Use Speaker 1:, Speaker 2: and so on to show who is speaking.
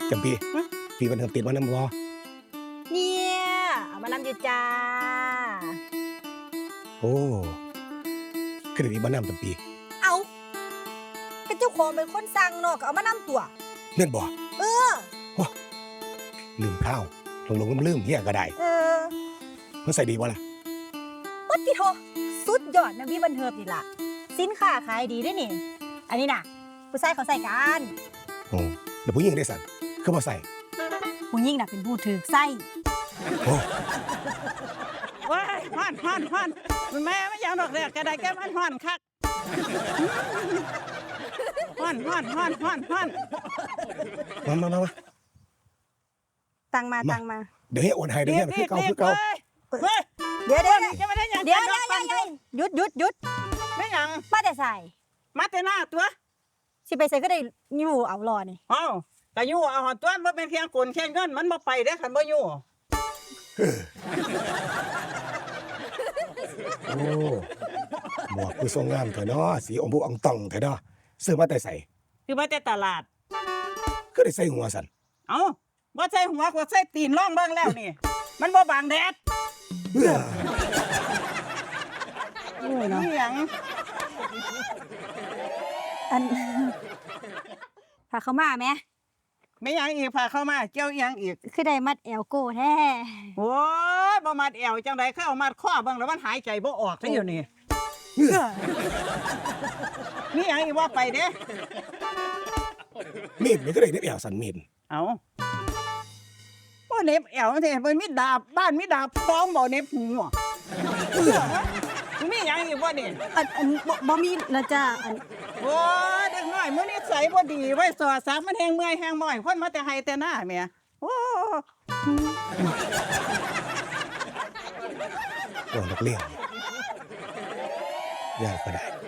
Speaker 1: จำปีพี่มันติดมานำบ่
Speaker 2: เนี่ยเอามานำอยู่จ้า
Speaker 1: โอ้คือติดมานำจำปี
Speaker 2: เอาก็เจ้าของเป็นคนสั่งเนาะก็เอามานำตัว
Speaker 1: แม่นบ่
Speaker 2: ว้า
Speaker 1: ลืมข้าวหลงลืมเฮียก็ได้มันใส่ดีบ่ล่ะ
Speaker 2: วัดติโทสุดยอดนะพี่บันเทิงนี่ล่ะสินค้าขายดีด้วยนี่อันนี้น่ะผู้ชายเขาใส่กัน
Speaker 1: โอ้แล้วผู้หญิงได้สั่นคือบ่ใส่
Speaker 2: ผู้หญิงน่ะเป็นผู้ถือไส้
Speaker 1: โอ้
Speaker 3: ว้ายฮ้อนแม่ไม่ยอมดอกเด็กกระไดแก้มันฮ้อนคักฮ้อน
Speaker 1: มา
Speaker 2: ตังมา
Speaker 1: เดี๋ยวให้โอนให้เดี๋ยวให้คือเก่า
Speaker 2: เดี๋ยว
Speaker 3: จะไม่ได้ยัง
Speaker 2: หยุด
Speaker 3: ไม่ยัง
Speaker 2: ป้าแต่ใส่
Speaker 3: มาแต่หน้าตัว
Speaker 2: สิไปใส่ก็ได้อยู่เอารอนี่
Speaker 3: อ้าวแต่อยู่เอาหอตัวมันเป็นเพียงกลแค่เงินมันบ่ไปได้คันบ่อยู่
Speaker 1: โอ้หมวกคือทรงงามเถอะเนาะสีอมพูอ่องตองเถอะเนาะซื้อมาแต่ใส่
Speaker 3: คือมาแต่ตลาด
Speaker 1: ก็ได้ใส่หัวสั่น
Speaker 3: เอ้าบ่ใส่หัวก็ใส่ตีนร่องเบิ่งแล้วนี่มันบ่บังแดด
Speaker 2: โอ้ยเนาะ
Speaker 3: นี่หยัง
Speaker 2: อันพาเข้ามาไหม
Speaker 3: ไม่ยังอีกพาเข้ามาเกี่ยวยังอีก
Speaker 2: คือได้มัดแอลโก้แท้
Speaker 3: โอ้ยบ่มัดแอวจังได๋คือเอามัดข้อเบิ่งแล้วมันหายใจบ่ออกซะอยู่นี่นี่ยังอีกว่าไปเด้
Speaker 1: มีดมันก็ได้เน็บแอวสั่นมีด
Speaker 3: เอาบ่เน็บแอวแท้มันมีดาบบ้านมีดาบพร้อมบ่เน็บหูมียังอีกบ่นี่
Speaker 2: อันบ่มีแล้วจ้าอัน
Speaker 3: โอ้เด็กน้อยมื้อนี้ใส่บ่ดีไว้สอดซักมันแฮงเมื่อยแฮงบ่อยคนมาแต่ไห้แต่หน้าแม่โอ้
Speaker 1: นักเรียนยากก็ได้